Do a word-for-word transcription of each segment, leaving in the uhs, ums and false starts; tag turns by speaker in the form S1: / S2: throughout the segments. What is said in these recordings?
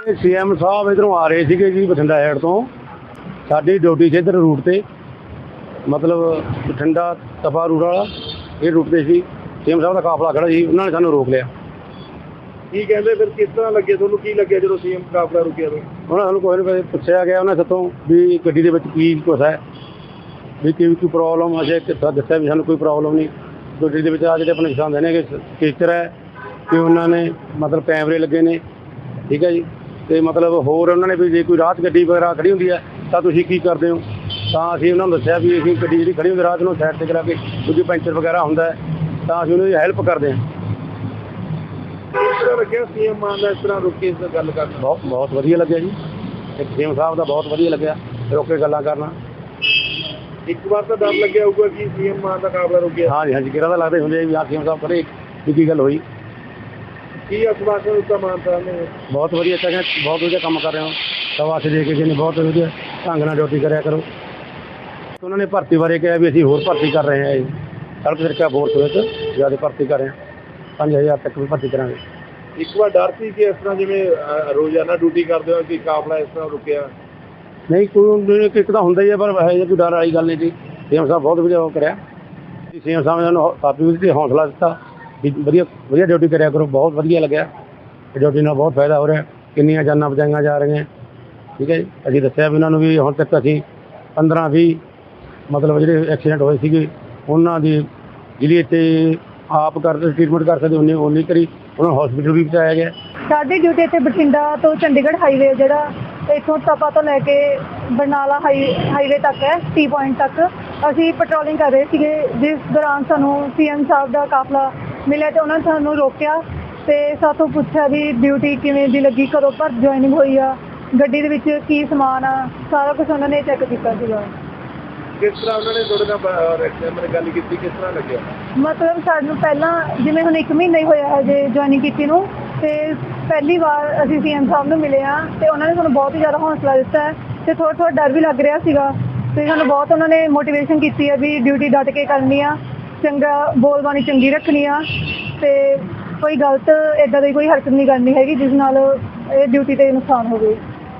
S1: CM साहब इधरों आ रहे थे जी बठिंडा साइड तो साडी ड्यूटी से इधर रूट से मतलब बठिंडा तपा रूट वाला ये रूट से सी सीएम साहब का काफला खड़ा जी उन्होंने सानू रोक लिया।
S2: की कहते फिर किस तरह लगे ਤੁਹਾਨੂੰ ਕੀ ਲੱਗਿਆ ਜਦੋਂ ਸੀਐਮ ਕਾਫਲਾ ਰੁਕਿਆ तो
S1: ਉਹਨਾਂ ਸਾਨੂੰ ਕੋਈ ਨਹੀਂ ਪੁੱਛਿਆ ਗਿਆ ਉਹਨਾਂ ਸਤੋਂ ਵੀ ਗੱਡੀ ਦੇ ਵਿੱਚ ਕੀ ਕੁਛ ਹੈ ਵੀ ਕੀ ਕੋਈ ਪ੍ਰੋਬਲਮ ਅਜੇ ਕਿੱਥਾ ਦੱਸਿਆ ਵੀ ਸਾਨੂੰ ਕੋਈ ਪ੍ਰੋਬਲਮ ਨਹੀਂ। ਗੱਡੀ ਦੇ ਵਿੱਚ ਆ ਜਿਹੜੇ ਆਪਣੇ ਨਿਸ਼ਾਨ ਨੇ ਕਿ ਸਟੀਕਰ ਹੈ ਕਿ ਉਹਨਾਂ ਨੇ ਮਤਲਬ ਕੈਮਰੇ ਲੱਗੇ ਨੇ ਠੀਕ ਹੈ ਜੀ ਤੇ ਮਤਲਬ ਹੋਰ ਉਹਨਾਂ ਨੇ ਵੀ ਜੇ ਕੋਈ ਰਾਤ ਗੱਡੀ ਵਗੈਰਾ ਖੜੀ ਹੁੰਦੀ ਹੈ ਤਾਂ ਤੁਸੀਂ ਕੀ ਕਰਦੇ ਹੋ ਤਾਂ ਅਸੀਂ ਉਹਨਾਂ ਨੂੰ ਦੱਸਿਆ ਵੀ ਅਸੀਂ ਗੱਡੀ ਜਿਹੜੀ ਖੜੀ ਹੁੰਦੀ ਰਾਤ ਨੂੰ ਸਾਈਡ 'ਤੇ ਕਰਾ ਕੇ ਕਿਉਂਕਿ ਪੈਂਚਰ ਵਗੈਰਾ ਹੁੰਦਾ ਤਾਂ ਅਸੀਂ ਉਹਨਾਂ ਦੀ ਹੈਲਪ ਕਰਦੇ ਹਾਂ।
S2: ਕਿਸ ਤਰ੍ਹਾਂ ਲੱਗਿਆ ਸੀਐਮ ਮਾਨ ਦਾ ਇਸ ਤਰ੍ਹਾਂ ਰੁਕ ਕੇ ਇਸ ਨਾਲ ਗੱਲ ਕਰਨਾ?
S1: ਬਹੁਤ ਬਹੁਤ ਵਧੀਆ ਲੱਗਿਆ ਜੀ ਇੱਕ ਸੀਐਮ ਸਾਹਿਬ ਦਾ ਬਹੁਤ ਵਧੀਆ ਲੱਗਿਆ ਰੁਕ ਕੇ ਗੱਲਾਂ ਕਰਨਾ।
S2: ਇੱਕ ਵਾਰ ਤਾਂ ਡਰ ਲੱਗਿਆ ਹੋਊਗਾ ਕਿ ਸੀਐਮ ਮਾਨ ਦਾ ਕਾਫਲਾ ਰੁਕਿਆ।
S1: ਹਾਂਜੀ ਹਾਂਜੀ ਕਿਹੜਾ ਤਾਂ ਲੱਗਦਾ ਹੁੰਦੇ ਵੀ ਹਾਂ ਸੀਐਮ ਸਾਹਿਬ ਕਰੇ ਵੀ ਕੀ ਗੱਲ ਹੋਈ।
S2: ਕੀ ਅਸਵਾਸ਼ਨ ਦਿੱਤਾ ਮਾਨ ਸਾਹਿਬ ਨੇ?
S1: ਬਹੁਤ ਵਧੀਆ ਚੱਕਿਆ ਬਹੁਤ ਵਧੀਆ ਕੰਮ ਕਰ ਰਹੇ ਹੋ ਸਵਾਸ ਦੇ ਕੇ ਜੀ ਨੇ ਬਹੁਤ ਵਧੀਆ ਢੰਗ ਨਾਲ ਡਿਊਟੀ ਕਰਿਆ ਕਰੋ। ਉਹਨਾਂ ਨੇ ਭਰਤੀ ਬਾਰੇ ਕਿਹਾ ਵੀ ਅਸੀਂ ਹੋਰ ਭਰਤੀ ਕਰ ਰਹੇ ਹਾਂ ਜੀ ਸੜਕ ਸੁਰੱਖਿਆ ਫੋਰਸ ਵਿੱਚ ਜ਼ਿਆਦਾ ਭਰਤੀ ਕਰ ਰਹੇ ਹਾਂ ਪੰਜ ਹਜ਼ਾਰ ਤੱਕ ਵੀ ਭਰਤੀ ਕਰਾਂਗੇ।
S2: ਇੱਕ ਵਾਰ ਡਰ ਸੀ ਕਿ ਇਸ ਤਰ੍ਹਾਂ ਜਿਵੇਂ ਅਹ, ਰੋਜ਼ਾਨਾ ਡਿਊਟੀ ਕਰਦੇ ਹੋ ਕਿ ਕਾਫਲਾ ਇਸ ਤਰ੍ਹਾਂ ਰੁਕਿਆ?
S1: ਨਹੀਂ ਕੋਈ ਇੱਕ ਤਾਂ ਹੁੰਦਾ ਹੀ ਹੈ ਪਰ ਹੈ ਕੋਈ ਡਰ ਵਾਲੀ ਗੱਲ ਨਹੀਂ ਜੀ। ਸੀਐਮ ਸਾਹਿਬ ਬਹੁਤ ਵਧੀਆ ਉਹ ਕਰਿਆ ਸੀਐਮ ਸਾਹਿਬ ਨੇ ਸਾਨੂੰ ਕਾਫੀ ਵਧੀਆ ਹੌਸਲਾ ਦਿੱਤਾ ਵੀ ਵਧੀਆ ਵਧੀਆ ਡਿਊਟੀ ਕਰਿਆ ਕਰੋ। ਬਹੁਤ ਵਧੀਆ ਲੱਗਿਆ ਡਿਊਟੀ ਨਾਲ ਬਹੁਤ ਫਾਇਦਾ ਹੋ ਰਿਹਾ ਕਿੰਨੀਆਂ ਜਾਨਾਂ ਬਚਾਈਆਂ ਜਾ ਰਹੀਆਂ ਠੀਕ ਹੈ ਜੀ। ਅਸੀਂ ਦੱਸਿਆ ਵੀ ਉਹਨਾਂ ਨੂੰ ਵੀ ਹੁਣ ਤੱਕ ਅਸੀਂ ਪੰਦਰਾਂ ਵੀਹ ਮਤਲਬ ਜਿਹੜੇ ਐਕਸੀਡੈਂਟ ਹੋਏ ਸੀਗੇ ਉਹਨਾਂ ਦੀ ਜਿਹੜੀ ਇੱਥੇ ਆਪ ਕਰਦੇ ਟ੍ਰੀਟਮੈਂਟ ਕਰ ਸਕਦੇ ਉਹਨੇ ਉਹ ਨਹੀਂ ਕਰੀ ਉਹਨਾਂ ਨੂੰ ਹਸਪੀਟਲ ਵੀ ਪਹੁੰਚਾਇਆ ਗਿਆ।
S3: ਸਾਡੀ ਡਿਊਟੀ ਇੱਥੇ ਬਠਿੰਡਾ ਤੋਂ ਚੰਡੀਗੜ੍ਹ ਹਾਈਵੇ ਜਿਹੜਾ ਇੱਥੋਂ ਤਪਾ ਤੋਂ ਲੈ ਕੇ ਬਰਨਾਲਾ ਹਾਈ ਹਾਈਵੇ ਤੱਕ ਹੈ ਟੀ ਪੁਆਇੰਟ ਤੱਕ ਅਸੀਂ ਪੈਟਰੋਲਿੰਗ ਕਰ ਰਹੇ ਸੀਗੇ ਜਿਸ ਦੌਰਾਨ ਸਾਨੂੰ ਸੀਐਮ ਸਾਹਿਬ ਦਾ ਕਾਫਲਾ ਮਿਲਿਆ ਅਤੇ ਉਹਨਾਂ ਨੇ ਸਾਨੂੰ ਰੋਕਿਆ ਅਤੇ ਸਾਥੋਂ ਪੁੱਛਿਆ ਵੀ ਡਿਊਟੀ ਕਿਵੇਂ ਦੀ ਲੱਗੀ ਕਦੋਂ ਭਰ ਜੁਆਇਨਿੰਗ ਹੋਈ ਆ ਗੱਡੀ ਦੇ ਵਿੱਚ ਕੀ ਸਮਾਨ ਆ ਸਾਰਾ ਕੁਛ ਉਹਨਾਂ ਨੇ ਚੈੱਕ ਕੀਤਾ ਸੀਗਾ।
S2: ਕਿਸ ਤਰ੍ਹਾਂ ਉਹਨਾਂ ਨੇ ਤੁਹਾਡੇ ਨਾਲ ਮੈਨੇ ਗੱਲ ਕੀਤੀ ਕਿਸ ਤਰ੍ਹਾਂ ਲੱਗਿਆ?
S3: ਮਤਲਬ ਸਾਨੂੰ ਪਹਿਲਾਂ ਜਿਵੇਂ ਹੁਣ ਇੱਕ ਮਹੀਨਾ ਹੀ ਹੋਇਆ ਹੈ ਜੇ ਜੁਆਇਨਿੰਗ ਕੀਤੀ ਨੂੰ ਅਤੇ ਪਹਿਲੀ ਵਾਰ ਅਸੀਂ ਸੀਐਮ ਸਾਹਿਬ ਨੂੰ ਮਿਲੇ ਹਾਂ ਅਤੇ ਉਹਨਾਂ ਨੇ ਸਾਨੂੰ ਬਹੁਤ ਹੀ ਜ਼ਿਆਦਾ ਹੌਸਲਾ ਦਿੱਤਾ ਹੈ ਅਤੇ ਥੋੜ੍ਹਾ ਥੋੜ੍ਹਾ ਡਰ ਵੀ ਲੱਗ ਰਿਹਾ ਸੀਗਾ ਅਤੇ ਸਾਨੂੰ ਬਹੁਤ ਉਹਨਾਂ ਨੇ ਮੋਟੀਵੇਸ਼ਨ ਕੀਤੀ ਹੈ ਵੀ ਡਿਊਟੀ ਡਟ ਕੇ ਕਰਨੀ ਆ ਚੰਗਾ ਬੋਲਬਾਣੀ ਚੰਗੀ ਰੱਖਣੀ ਆ ਅਤੇ ਕੋਈ ਗਲਤ ਇੱਦਾਂ ਦੀ ਕੋਈ ਹਰਕਤ ਨਹੀਂ ਕਰਨੀ ਹੈਗੀ ਜਿਸ ਨਾਲ ਇਹ ਡਿਊਟੀ 'ਤੇ ਨੁਕਸਾਨ ਹੋਵੇ।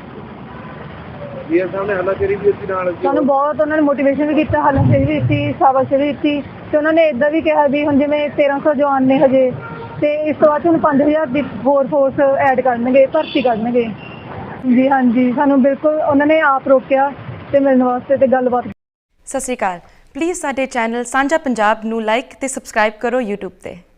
S2: ਜੀ ਸਾਹਮਣੇ ਹੱਲਾਸ਼ੇਰੀ ਵੀ ਦਿੱਤੀ ਨਾਲ
S3: ਸਾਨੂੰ ਬਹੁਤ ਉਹਨਾਂ ਨੇ ਮੋਟੀਵੇਸ਼ਨ ਵੀ ਕੀਤਾ ਹੱਲਾਸ਼ੇਰੀ ਵੀ ਦਿੱਤੀ ਸ਼ਾਬਾਸ਼ ਵੀ ਦਿੱਤੀ ਅਤੇ ਉਹਨਾਂ ਨੇ ਇੱਦਾਂ ਵੀ ਕਿਹਾ ਵੀ ਹੁਣ ਜਿਵੇਂ ਤੇਰ੍ਹਾਂ ਸੌ ਜਵਾਨ ਨੇ ਹਜੇ ਅਤੇ ਇਸ ਤੋਂ ਬਾਅਦ ਹੁਣ ਪੰਜ ਹਜ਼ਾਰ ਦੀ ਹੋਰ ਫੋਰਸ ਐਡ ਕਰਨਗੇ ਭਰਤੀ ਕਰਨਗੇ ਜੀ। ਹਾਂਜੀ ਸਾਨੂੰ ਬਿਲਕੁਲ ਉਹਨਾਂ ਨੇ ਆਪ ਰੋਕਿਆ ਅਤੇ ਮਿਲਣ ਵਾਸਤੇ ਅਤੇ ਗੱਲਬਾਤ।
S4: ਸਤਿ ਸ਼੍ਰੀ ਅਕਾਲ। ਪਲੀਜ਼ ਸਾਡੇ ਚੈਨਲ ਸਾਂਝਾ ਪੰਜਾਬ ਨੂੰ ਲਾਈਕ ਅਤੇ ਸਬਸਕ੍ਰਾਈਬ ਕਰੋ ਯੂਟਿਊਬ 'ਤੇ।